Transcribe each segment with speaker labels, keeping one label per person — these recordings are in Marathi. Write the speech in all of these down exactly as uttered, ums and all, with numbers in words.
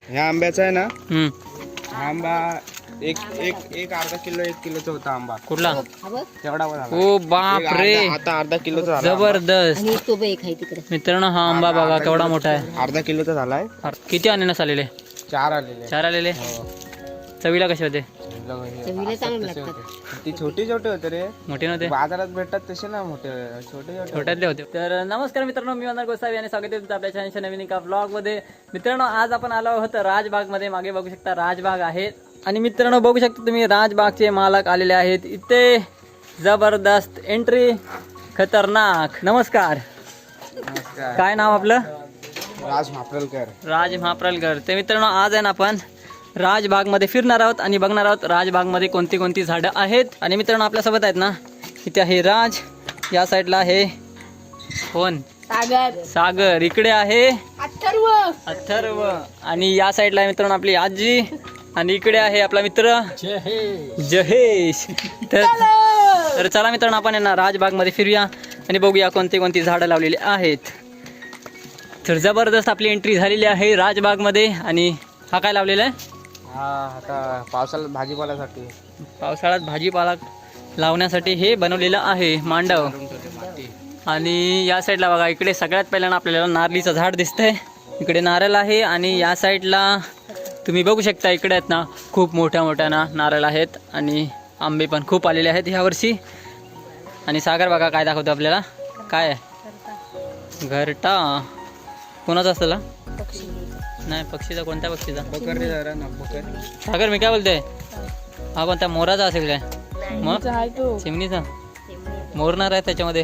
Speaker 1: ह्या आंब्याचा आहे ना,
Speaker 2: हम्म
Speaker 1: हा आंबा एक एक एक अर्धा किलो एक किलोचा होता आंबा.
Speaker 2: कुठला?
Speaker 1: तेवढा झाला.
Speaker 2: ओ बाप
Speaker 1: एक
Speaker 2: रे,
Speaker 1: अर्धा- आता अर्धा किलोचा झाला आंबा.
Speaker 2: जबरदस्त
Speaker 3: आणि तो बी एक आहे तिकडे.
Speaker 2: मित्रांनो, हा आंबा
Speaker 1: अर्धा-
Speaker 2: बघा
Speaker 1: अर्धा
Speaker 2: केवढा
Speaker 1: किलोचा-
Speaker 2: मोठा आहे.
Speaker 1: अर्धा किलोचा झालाय.
Speaker 2: किती अननस आलेले?
Speaker 1: चार आलेले.
Speaker 2: चार आलेले.
Speaker 1: हो.
Speaker 2: चवीला कसे होते?
Speaker 3: चवीला चांगले
Speaker 1: तसे
Speaker 3: लागतात.
Speaker 1: होते. ती छोटी छोटे होते रे,
Speaker 2: मोठे नव्हते,
Speaker 1: बाजारात भेटतात तसे ना, मोठे छोटे छोटे
Speaker 2: छोट्यातले होते. तर नमस्कार मित्रांनो, मी वंदना गोसावी आणि स्वागत आहे तुमचं आपल्या चॅनलच्या नवीन एका ब्लॉग मध्ये. मित्रांनो, आज आपण आलो आहोत राजबाग मध्ये. मागे बघू शकता राजबाग आहे. आणि मित्रांनो, बघू शकता तुम्ही राजबागचे मालक आलेले आहेत इथे. जबरदस्त एंट्री, खतरनाक. नमस्कार,
Speaker 1: नमस्कार.
Speaker 2: काय नाव आपलं?
Speaker 1: राज म्हाप्रलकर.
Speaker 2: राज म्हाप्रलकर. ते मित्रांनो, आज आहे ना आपण राजबागमध्ये फिरणार आहोत आणि बघणार आहोत राजबागमध्ये कोणती कोणती झाडं आहेत. आणि मित्रांनो, आपल्यासोबत आहेत ना, इथे आहे राज, या साईडला आहे कोण?
Speaker 3: सागर,
Speaker 2: सागर. इकडे आहे
Speaker 3: अथर्व,
Speaker 2: अथर्व. आणि या साईडला आहे मित्रांनो आपली आजी. आणि इकडे आहे आपला मित्र जहेश. तर तर चला मित्रांनो, आपण आहे ना राजबागमध्ये फिरूया आणि बघूया कोणती कोणती झाडं लावलेली आहेत. तर जबरदस्त आपली एंट्री झालेली आहे राजबागमध्ये. आणि हा काय लावलेला आहे?
Speaker 1: हा आता पावसाळ्यात भाजीपाल्यासाठी.
Speaker 2: पावसाळ्यात भाजीपाला लावण्यासाठी हे बनवलेलं आहे मांडव. आणि या साईडला बघा, इकडे सगळ्यात पहिल्यांदा आपल्याला नारळीचं झाड दिसतंय. इकडे नारळ आहे. आणि या साईडला तुम्ही बघू शकता, इकडे आहेत ना खूप मोठ्या मोठ्या ना नारळ आहेत. आणि आंबे पण खूप आलेले आहेत ह्यावर्षी. आणि सागर बघा काय दाखवतो आपल्याला. काय आहे? घरटा. कोणाचा असतं? नाही, पक्षीचा. कोणत्या पक्षीचा?
Speaker 1: बकर रे जरा ना, बकर.
Speaker 2: सागर, मी काय बोलतोय, हा कोणत्या मोराचा असेल काय? मग चिमणीचा मोरणार आहे त्याच्यामध्ये.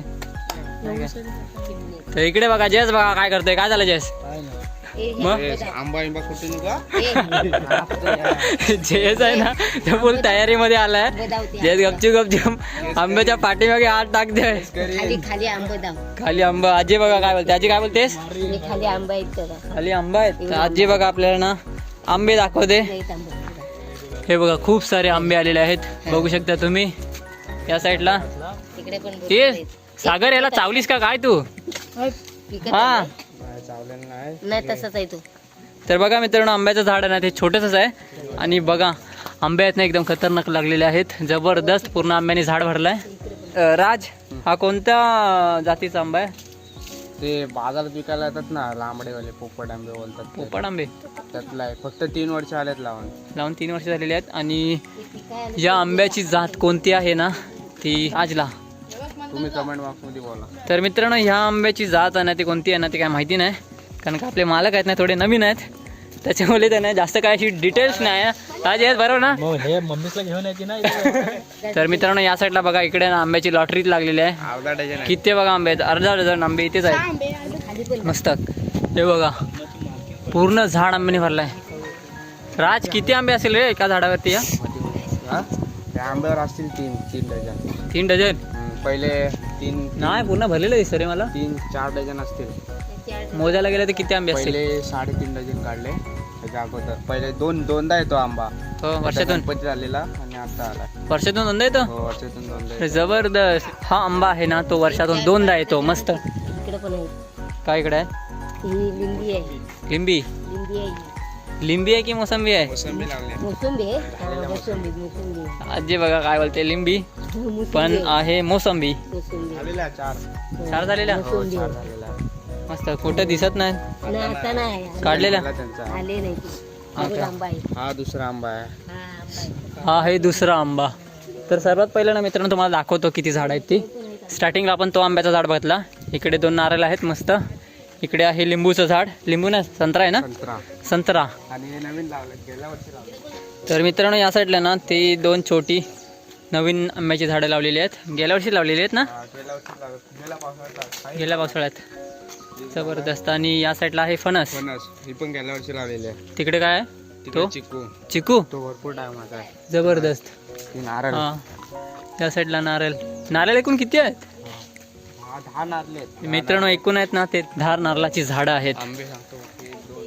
Speaker 2: तर इकडे बघा, जयस बघा काय करतोय. काय झालं जयस? मग
Speaker 1: आंबा आंबा कुठे निघा.
Speaker 2: जयस आहे ना, तो फुल तयारीमध्ये आलाय. जयस गपची गपची आंब्याच्या पाठीमागे हात टाकतोय.
Speaker 3: खाली खाली आंबे दाव,
Speaker 2: खाली आंबा. आजी बघा काय बोलते. आजी काय बोलतेस?
Speaker 3: आणि खाली आंबा आहेत त्याला.
Speaker 2: खाली आंबा आहेत. तर आजी बघा आपल्याला ना आंबे दाखवते.
Speaker 3: नाहीत आंबे.
Speaker 2: हे बघा, खूप सारे आंबे आलेले आहेत. बघू शकता तुम्ही या साईडला.
Speaker 3: तिकडे पण भरपूर
Speaker 2: ते
Speaker 3: आहेत.
Speaker 2: सागर, याला चावलीस का काय तू?
Speaker 3: पिकत
Speaker 2: हा.
Speaker 3: आहे.
Speaker 1: चावलेलं नाही.
Speaker 3: नाही तसंच आहे तो.
Speaker 2: तर बघा मित्रांनो, आंब्याचं झाड आहे ना, ते छोटंसंच आहे. आणि बघा, आंबे आहेत ना एकदम खतरनाक लागलेले आहेत. जबरदस्त पूर्ण आंब्याने झाड भरलाय. अं, राज, हा कोणत्या जातीचा आंबा आहे?
Speaker 1: ते बाजारात विकायला येतात ना, लांबडेवाले पोपट आंबे बोलतात ते.
Speaker 2: पोपट आंबे.
Speaker 1: त्यातला आहे. फक्त तीन वर्ष आलेत लावून.
Speaker 2: लावून तीन वर्ष झालेली आहेत. आणि या आंब्याची जात कोणती आहे ना, ती राजला.
Speaker 1: तुम्ही कमेंट बॉक्स मध्ये बोला.
Speaker 2: तर मित्रांनो, ह्या आंब्याची जात आहे ना, ती कोणती आहे ना, ती काय माहिती नाही. कारण का आपले मालक आहेत ना, थोडे नवीन आहेत, त्याच्यामुळे त्यांना जास्त काय अशी डिटेल्स नाही आहे. आज आहेत बरोबर ना?
Speaker 4: हे मम्मीला घेऊन यायची ना.
Speaker 2: तर मित्रांनो, या साईडला बघा, इकडे ना आंब्याची लॉटरी लागलेली आहे.
Speaker 1: अर्धा डझन आहे.
Speaker 2: किती बघा आंबे आहेत, अर्धा डझन आंबे इथेच आहेत. मस्त. हे बघा, पूर्ण झाड आंब्याने भरलाय. राज, किती आंबे असेल रे एका झाडावरती? या
Speaker 1: हा? त्या आंब्यावर असतील तीन तीन डझन.
Speaker 2: तीन डझन
Speaker 1: हम्म, पहिले तीन
Speaker 2: नाही, पूर्ण भरलेलं दिसतं रे मला.
Speaker 1: तीन चार डझन असतील.
Speaker 2: मोजायला गेलं तर किती आंबे असतील?
Speaker 1: पहिले साडेतीन डझन काढले त्याच्या अगोदर. पहिले दोन दोनदा येतो आंबा.
Speaker 2: हो, वर्षातून
Speaker 1: गणपती झालेला आणि आता आला.
Speaker 2: वर्षातून दोनदा येतो.
Speaker 1: हो, वर्षातून दोनदा येतो.
Speaker 2: जबरदस्त. हा आंबा आहे ना, तो वर्षातून दोनदा येतो. मस्त.
Speaker 3: इकडे पण आहे.
Speaker 2: काय इकडे आहे?
Speaker 3: ही लिंबी आहे.
Speaker 2: लिंबी.
Speaker 3: लिंबी आहे.
Speaker 2: लिंबी आहे की मोसंबी आहे?
Speaker 1: मोसंबी लागले.
Speaker 3: मोसंबी आहे. हा, मोसंबी मोसंबी
Speaker 2: आजी बघा काय बोलते, लिंबी
Speaker 3: मोसंबी
Speaker 2: पण
Speaker 3: आहे.
Speaker 2: आहे मोसंबी.
Speaker 3: मोसंबी
Speaker 1: झालेला चार.
Speaker 2: चार झालेल्या.
Speaker 1: हो,
Speaker 3: मोसंबी
Speaker 1: चार
Speaker 3: आहे.
Speaker 1: झालेला.
Speaker 2: मस्त. कुठं दिसत नाही.
Speaker 3: नाही, आता नाही
Speaker 2: काढलेल्या.
Speaker 1: झाला त्यांचा.
Speaker 3: आले नाही ते. अजून आंबा आहे.
Speaker 1: हा दुसरा आंबा आहे.
Speaker 3: हा आंबा आहे.
Speaker 2: हा आहे दुसरा आंबा. तर सर्वात पहिलं ना मित्रांनो, तुम्हाला दाखवतो किती झाड आहेत ती. स्टार्टिंगला आपण तो आंब्याचा झाड बघितला. इकडे दोन नारळ आहेत मस्त. इकडे आहे लिंबूचं झाड. लिंबू ना, संत्रा आहे ना,
Speaker 1: संत्रा.
Speaker 2: संत्रा.
Speaker 1: आणि हे नवीन लावलं, गेल्या वर्षी लावलं.
Speaker 2: तर मित्रांनो, या साईडला ना ती दोन छोटी नवीन आंब्याची झाडं लावलेली आहेत. गेल्या वर्षी लावलेली आहेत ना,
Speaker 1: हा, गेल्या वर्षी लावलं. गेल्या पावसाळ्यात लावलं.
Speaker 2: गेल्या पावसाळ्यात. जबरदस्त. आणि या साईडला आहे फणस.
Speaker 1: फणस ही पण गेल्या वर्षी लावलेली आहे.
Speaker 2: तिकडे काय आहे?
Speaker 1: तिकडे
Speaker 2: तो
Speaker 1: चिकू.
Speaker 2: चिकू.
Speaker 1: तो भरपूर टायमाचा आहे.
Speaker 2: जबरदस्त.
Speaker 1: ती नारळ.
Speaker 2: हा, या साईडला नारळ. नारळ एकूण किती आहेत?
Speaker 1: हा, दहा नारळे आहेत. दहा
Speaker 2: मित्रांनो, एकूण आहेत ना ते दहा नारळाची झाडं आहेत.
Speaker 1: आंबे सांगतो. एक, दोन,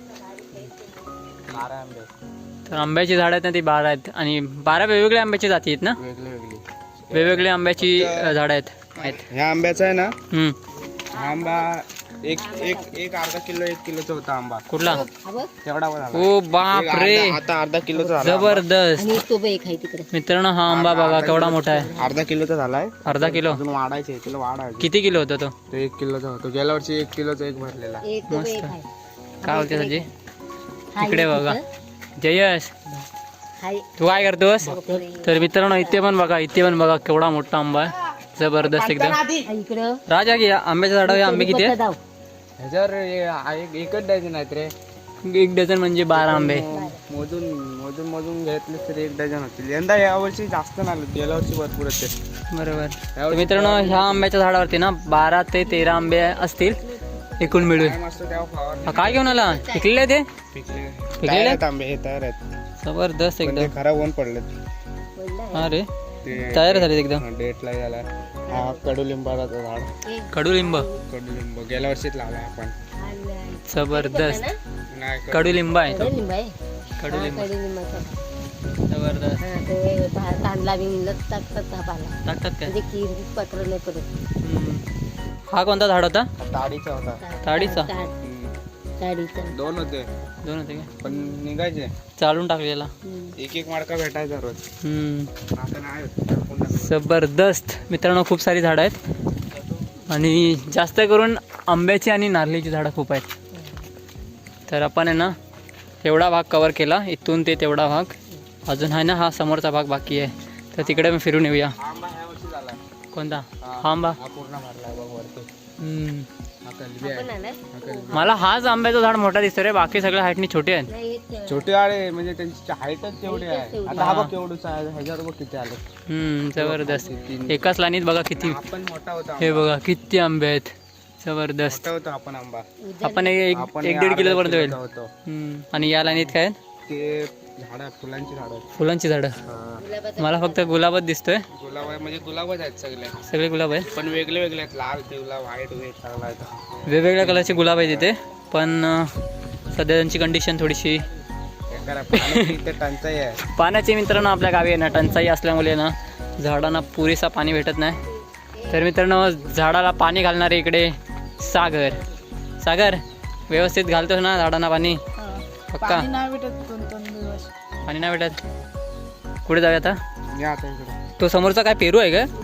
Speaker 1: बारा आंबे आहेत.
Speaker 2: तर आंब्याची झाडं आहेत ना ती बारा आहेत. आणि बारा वेगवेगळ्या आंब्याची जाती आहेत ना,
Speaker 1: वेगळी वेगळी.
Speaker 2: वेगवेगळ्या आंब्याची अ, झाडं आहेत आहेत
Speaker 1: ह्या आंब्याचा आहे ना,
Speaker 2: हम्म.
Speaker 1: हा आंबा एक एक एक अर्धा किलो एक किलोचा होता आंबा
Speaker 2: कुठला
Speaker 3: हा बघ.
Speaker 1: तेवढा पण झाला.
Speaker 2: ओ बाप
Speaker 1: एक
Speaker 2: रे
Speaker 1: अर्धा- आता अर्धा किलोचा झाला आंबा.
Speaker 2: जबरदस्त
Speaker 3: आणि तो बघ एक आहे तिकडे.
Speaker 2: मित्रांनो हा आंबा बघा केवढा मोठा आहे
Speaker 1: अर्धा किलोचा झालाय.
Speaker 2: अर्धा किलो
Speaker 1: अजून वाढायचे तिला वाढायचे.
Speaker 2: किती किलो होता तो
Speaker 1: तो एक किलोचा होतो गेल्या वर्षी एक किलोचा एक भरलेला.
Speaker 3: एक तो बघ
Speaker 2: मस्त.
Speaker 3: एक आहे.
Speaker 2: काय बोलते संजय
Speaker 3: हा
Speaker 2: इकडे
Speaker 3: एक
Speaker 2: बघा
Speaker 3: तिथं.
Speaker 2: जयश
Speaker 3: हा एक.
Speaker 2: तू काय करतोस
Speaker 3: बापरे.
Speaker 2: तर मित्रांनो इथे पण बघा इथे पण बघा केवढा मोठा आंबा आहे जबरदस्त एकदम
Speaker 3: हा इकडं.
Speaker 2: राजा घे आंब्याच्या झाडावर आंबे किती आहेत
Speaker 3: दाव.
Speaker 1: ह्याच्यावर हे- हा एक एकच डझन आहेत रे.
Speaker 2: एक डझन म्हणजे बारा आंबे
Speaker 1: मोजून मोजून मोजून घेतले तर एक डझन होतील. यंदा या वर्षी जास्त नाही आले. गेल्या वर्षी भरपूर होते.
Speaker 2: बरोबर तर मित्रांनो ह्या आंब्याच्या झाडावरती ना बारा ते तेरा आंबे असतील एकूण मिळून
Speaker 1: काय मस्त तेव्हा फवारणी
Speaker 2: हा, काय घेऊन आला पिकलेले ते
Speaker 1: पिकले.
Speaker 2: पिकलेले?
Speaker 1: तयार आहेत आंबे हे तयार आहेत.
Speaker 2: जबरदस्त
Speaker 1: पण ते
Speaker 2: एकदम
Speaker 1: खराब होऊन पडलेत.
Speaker 3: पडलं आहे.
Speaker 2: अरे
Speaker 1: ते
Speaker 2: तयार झाले एकदम
Speaker 1: डेटला झाला. हा कडुलिंबाचा झाड.
Speaker 3: एक
Speaker 2: कडुलिंब
Speaker 1: कडुलिंब गेल्या वर्षीच लावला आपण.
Speaker 3: आलं आहे.
Speaker 2: जबरदस्त
Speaker 3: ना?
Speaker 1: नाही कडु-
Speaker 2: कडुलिंब आहे तो
Speaker 3: कडुलिंब आहे.
Speaker 2: कडुलिंब
Speaker 3: हा, कडुलिंबाचा.
Speaker 2: जबरदस्त
Speaker 3: हा, ते भा- तांदला बिंदला टाकतात हा पाला.
Speaker 2: टाकतात काय
Speaker 3: म्हणजे किर पत्र नाही पडत.
Speaker 2: हम्म. हा कोणता झाड होता
Speaker 1: ताडीचा होता.
Speaker 2: ताडीचा?
Speaker 3: ताड-
Speaker 1: हम्म.
Speaker 3: ताडीचा.
Speaker 1: दोन होते
Speaker 2: दोन होते काय
Speaker 1: पण निघायचे.
Speaker 2: चालून टाकलेला
Speaker 3: हम्म.
Speaker 1: एक एक माडका भेटायचा रोज.
Speaker 2: हम्म.
Speaker 1: आता नाही होत. टाकून टाकलं.
Speaker 2: जबरदस्त मित्रांनो खूप सारी झाडं आहेत आणि जास्त करून आंब्याची आणि नारळीची झाडं खूप आहेत तर आपण आहे ना एवढा भाग कवर केला इथून ते तेवढा भाग अजून आहे ना हा समोरचा भाग बाकी आहे तर तिकडे मी फिरून येऊया
Speaker 1: हा आंबा ह्या वर्षी झाला.
Speaker 2: कोणता हा आंबा
Speaker 1: हा पूर्ण भरलाय बघ वरती.
Speaker 2: हम्म.
Speaker 1: हा कलबी आहे.
Speaker 3: पण आलाय?
Speaker 1: हा कलबी.
Speaker 2: मला हाच आंब्याचं झाड मोठा दिसतो रे बाकी सगळ्या हाईटनी छोटे आहेत
Speaker 3: नाही, हेच-
Speaker 1: छोटे आळे म्हणजे त्यांची हाईटच तेवढी आहे.
Speaker 3: तेवढी.
Speaker 1: आता हा बघ केवढूचा आहे. ह्याच्यावर बघ किती आले.
Speaker 2: हम्म, जबरदस्त
Speaker 1: तीन-
Speaker 2: एकाच लाईनीत बघा किती
Speaker 1: आपण मोठा होता
Speaker 2: हे
Speaker 1: आंबा.
Speaker 2: बघा किती आंबे आहेत जबरदस्त
Speaker 1: मोठा होता आपण आंबा.
Speaker 2: आपण एक
Speaker 1: आपण
Speaker 2: एक
Speaker 1: हे
Speaker 2: दीड
Speaker 1: अर्धा
Speaker 2: किलो पर्यंत होईल
Speaker 1: किलोचा होतो.
Speaker 2: हम्म. आणि या लाईनीत काय आहेत?
Speaker 1: ते झाड फुलांची झाड.
Speaker 2: फुलांची झाडं
Speaker 3: गुलाबाचा
Speaker 2: मला फक्त गुलाबच दिसतोय
Speaker 1: गुलाब आहे म्हणजे गुलाबच आहेत सगळे.
Speaker 2: सगळे गुलाब आहेत
Speaker 1: पण वेगळे वेगळे आहेत. लाल पिवला व्हाईट वेग चांगला आहे.
Speaker 2: वेगवेगळ्या कलरचे गुलाब आहेत इथे पण अं, सध्या त्यांची कंडिशन थोडीशी
Speaker 1: बेकार आहे. पाण्याची इथे टंचाई आहे.
Speaker 2: पाण्याची मित्रांनो आपल्या गावी आहे ना टंचाई असल्यामुळे ना झाडांना पुरेसा पाणी भेटत नाही तर मित्रांनो झाडाला पाणी घालणारे इकडे सागर सागर व्यवस्थित घालतोस ना झाडांना पाणी पक्का पाणी नाही भेटत कुठे जाऊया आता
Speaker 1: या आता इकडे.
Speaker 2: तो समोरचा काय पेरू आहे का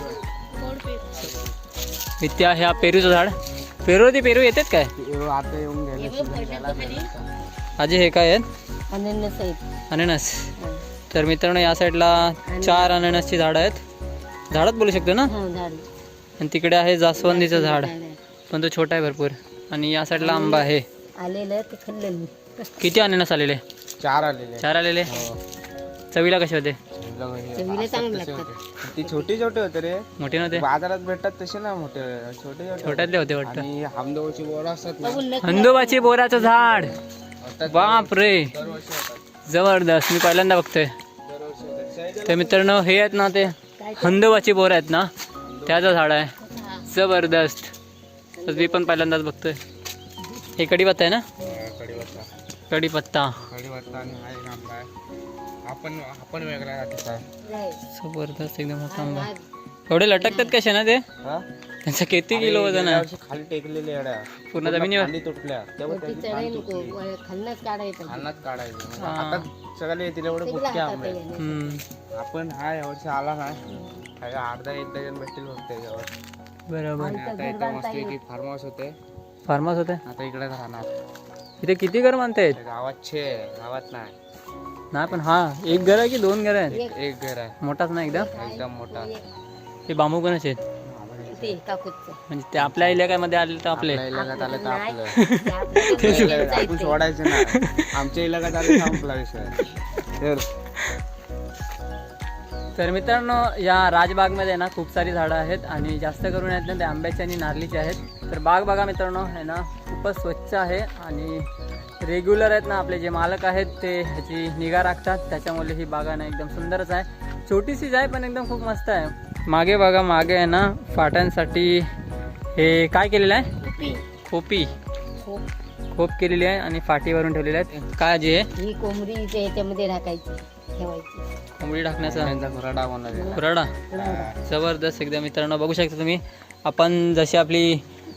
Speaker 2: इथे ह्या पेरूचं झाड पेरू ते पेरू येतात काय
Speaker 1: पेरू आता येऊन गेले.
Speaker 2: आजी हे काय आहेत
Speaker 3: अनन्यास आहेत.
Speaker 2: अननस
Speaker 3: हा.
Speaker 2: तर मित्रांनो या साईडला चार अननसची झाडं आहेत झाडात बोलू शकतो ना
Speaker 3: हा, झाड.
Speaker 2: आणि तिकडे आहे जास्वंदीचं झाड
Speaker 3: झाड आहे.
Speaker 2: पण तो छोटा आहे भरपूर आणि या साईडला आंबा आहे
Speaker 3: आलेलं ते खाल्लेलं.
Speaker 2: किती अननस आलेले
Speaker 1: चार आलेले.
Speaker 2: चार आलेले
Speaker 1: हो.
Speaker 2: चवीला कसे होते
Speaker 3: चवीला चांगले लागतात.
Speaker 1: ती छोटी छोटे होते रे.
Speaker 2: मोठे नव्हते
Speaker 1: बाजारात भेटतात तसे ना मोठे छोटे छोटे.
Speaker 2: छोट्यातले होते वाटतं
Speaker 1: आणि हमदोची बोर असतात ना.
Speaker 3: बघून नक्की
Speaker 2: हंदोबाची बोराचं झाड
Speaker 1: होतात.
Speaker 2: बाप रे
Speaker 1: दरवर्षी होतात.
Speaker 2: जबरदस्त मी पहिल्यांदा बघतोय
Speaker 1: दरवर्षी होतात.
Speaker 2: तर मित्रांनो हे आहेत ना ते
Speaker 3: काय
Speaker 2: हंदोबाची बोर आहेत ना त्याचं झाड आहे
Speaker 3: हा.
Speaker 2: जबरदस्त तर मी पण पहिल्यांदाच बघतोय हे कढीपत्ता आहे ना
Speaker 1: हा, कढीपत्ता.
Speaker 2: कढीपत्ता
Speaker 1: कढीपत्ता आणि हा एक आंबा आहे. आपण आपण वेगळा जातीचा आहे.
Speaker 3: नाही.
Speaker 2: जबरदस्त एकदम मोठा आंबा
Speaker 3: हा.
Speaker 2: एवढे लटकतात कसे ना ते
Speaker 1: हा?
Speaker 2: त्यांचं किती किलो वजन
Speaker 1: गेल्या
Speaker 2: आहे
Speaker 1: वर्षी खाली टेकलेले एवढ्या
Speaker 2: पूर्ण जमिनीवर
Speaker 1: खाली तुटल्या तेव्हा
Speaker 3: वरती
Speaker 1: त्याची
Speaker 3: चढाई
Speaker 1: खाली
Speaker 3: नको
Speaker 1: तुटली.
Speaker 3: वर खालनंच काढायचं.
Speaker 1: अन्नात काढायचे म्हणजे
Speaker 2: हा.
Speaker 1: आता सगळे येतील एवढे
Speaker 3: सगळं
Speaker 1: बुटके
Speaker 3: हातात
Speaker 1: आंबे आहेत.
Speaker 3: आहे.
Speaker 2: हम्म,
Speaker 1: आपण हा यावर्षी आला नाही काय अर्धा एक डझन भेटतील फक्त याच्यावर.
Speaker 2: बरोबर
Speaker 1: आणि आता इथं मस्त की फार्म हाऊस होते.
Speaker 2: फार्म हाऊस होते
Speaker 1: आता इकडे राहणार.
Speaker 2: इथे किती घर मानतायत
Speaker 1: गावात छे गावात नाही.
Speaker 2: नाही पण हा एक घर आहे की दोन घर आहेत
Speaker 1: एक एक घर आहे
Speaker 2: मोठाच ना एकदम
Speaker 1: एकदम मोठा.
Speaker 2: ते बांबू कोणाचे आहेत
Speaker 3: ते काकूचं.
Speaker 2: म्हणजे ते आपल्या इलाक्यामध्ये आले तर आपले
Speaker 1: आपल्या इलाक्यात आलं तर
Speaker 3: नाही.
Speaker 1: आपलं.
Speaker 3: ते आपलं
Speaker 1: आपल्या इलाक्यात
Speaker 3: जायचंय.
Speaker 1: आपण सोडायचं ना. आमच्या इलाक्यात आलं संपला विषय. तर
Speaker 2: तर मित्रांनो या राजबागमध्ये ना खूप सारी झाडं आहेत आणि जास्त करून आहेत ना ते आंब्याची आणि नारळीची आहेत तर बाग बघा मित्रांनो आहे ना खूपच स्वच्छ आहे आणि रेग्युलर आहेत ना आपले जे मालक आहेत ते ह्याची निगा राखतात त्याच्यामुळे ही बाग आहे ना एकदम सुंदरच आहे छोटीशीच आहे पण एकदम खूप मस्त आहे मागे बघा मागे आहे ना फाट्यांसाठी हे काय केलेलं आहे
Speaker 3: कुपी.
Speaker 2: खोपी
Speaker 3: खोप.
Speaker 2: खोप केलेली आहे आणि फाटीवरून ठेवलेली आहेत काय जे आहे
Speaker 3: ही कोंबडी इथे ह्याच्यामध्ये राखायची ठेवायची.
Speaker 2: कोंबडी टाकण्याचा
Speaker 1: त्यांचा खुराडा होणार आहे.
Speaker 2: खुराडा जबरदस्त एकदम मित्रांनो बघू शकता तुम्ही आपण जशी आपली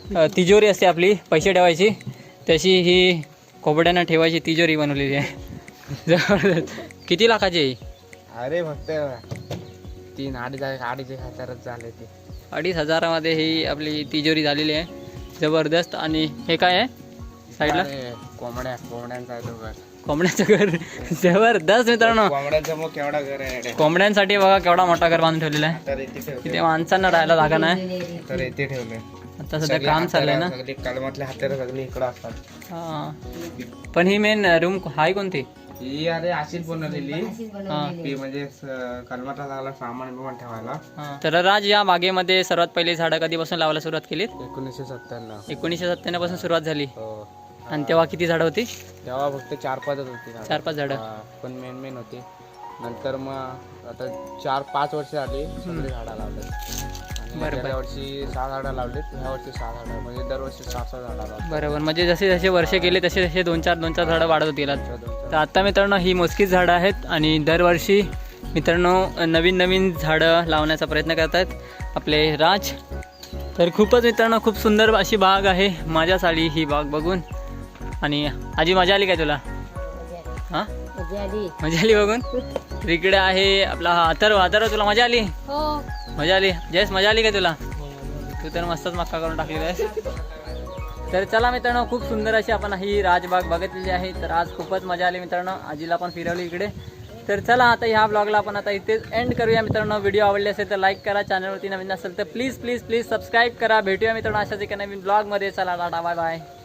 Speaker 2: अ, तिजोरी असते आपली पैसे ठेवायची, तशी ही कोंबड्यांना ठेवायची तिजोरी बनवलेली आहे. जबरदस्त. किती लाखाची आहे ही?
Speaker 1: अरे फक्त तीन अडीच अडीच एक हजारच झाले ते.
Speaker 2: अडीच हजारामध्ये ही आपली तिजोरी झालेली आहे. जबरदस्त. आणि हे काय आहे साईडला?
Speaker 1: अरे, कोंबड्या कोंबड्यांचा आहे तो घर.
Speaker 2: कोंबड्यांचं घर. जबरदस्त मित्रांनो.
Speaker 1: कोंबड्यांचं मग केवढा घर आहे.
Speaker 2: कोंबड्यांसाठी बघा केवढा मोठा घर बांधून ठेवलेला आहे.
Speaker 1: तर इथे ठेवले.
Speaker 2: तिथे माणसांना राहायला जागा नाही.
Speaker 1: तर इथे ठेवले.
Speaker 2: आता सध्या काम चाललंय ना.
Speaker 1: सगळी कलमातले हात्यार सगळी इकडं असतात.
Speaker 2: हा. पण ही मेन रूम हाय कोणती?
Speaker 1: ही अरे अशीच बनवलेली
Speaker 3: अशीच बनवलेली
Speaker 1: ती म्हणजे स- कलमातला लागला सामान बिमान ठेवायला.
Speaker 2: हा. तर राज, या बागेमध्ये सर्वात पहिले झाडं कधीपासून लावायला सुरुवात केली?
Speaker 1: एकोणीसशे सत्त्याण्णव.
Speaker 2: एकोणीसशे सत्त्याण्णव पासून सुरुवात झाली.
Speaker 1: हो.
Speaker 2: आणि तेव्हा किती झाडं होती?
Speaker 1: तेव्हा फक्त चार पाचच होती झाडं.
Speaker 2: चार पाच झाडं.
Speaker 1: हा, पण मेन मेन होती. नंतर मग आता चार पाच वर्ष आली सगळी झाडं लावतात.
Speaker 2: बरोबर.
Speaker 1: गेल्या वर्षी सहा झाडं लावलीत, ह्या वर्षी सहा झाडं, म्हणजे दरवर्षी सहा सहा झाडं लावतात.
Speaker 2: बरोबर. म्हणजे जसे जसे वर्ष गेले तसे तसे दोन चार दोन चार झाडं वाढत होती. तर आता मित्रांनो ही मोजकीच झाडं आहेत आणि दरवर्षी मित्रांनो नवीन नवीन झाडं लावण्याचा प्रयत्न करत आहेत आपले राज. तर खूपच मित्रांनो खूप सुंदर अशी बाग आहे. माझ्या साली ही बाग बघून. आणि आजी मजा आली काय तुला? हां
Speaker 3: मजा आली.
Speaker 2: मजा आली बघून. तर इकडे आहे आपला हा अथर्व. अथर्व तुला मजा आली?
Speaker 3: हो.
Speaker 2: मजा आली. जयस मजा आली काय तुला? तू तर मस्तच मक्का करून टाकलेला आहेस. तर चला मित्रांनो खूप सुंदर अशी आपण ही राजबाग बघितलेली आहे. तर आज खूपच मजा आली मित्रांनो. आजीला पण फिरवली इकडे. तर चला आता ह्या ब्लॉगला आपण आता इथेच एंड करूया मित्रांनो. व्हिडिओ आवडले असेल तर लाईक करा, चॅनलवरती नवीन असेल तर प्लीज प्लीज प्लीज सबस्क्राईब करा. भेटूया मित्रांनो अशाच एका नवीन ब्लॉगमध्ये. चला टाटा बाय बाय.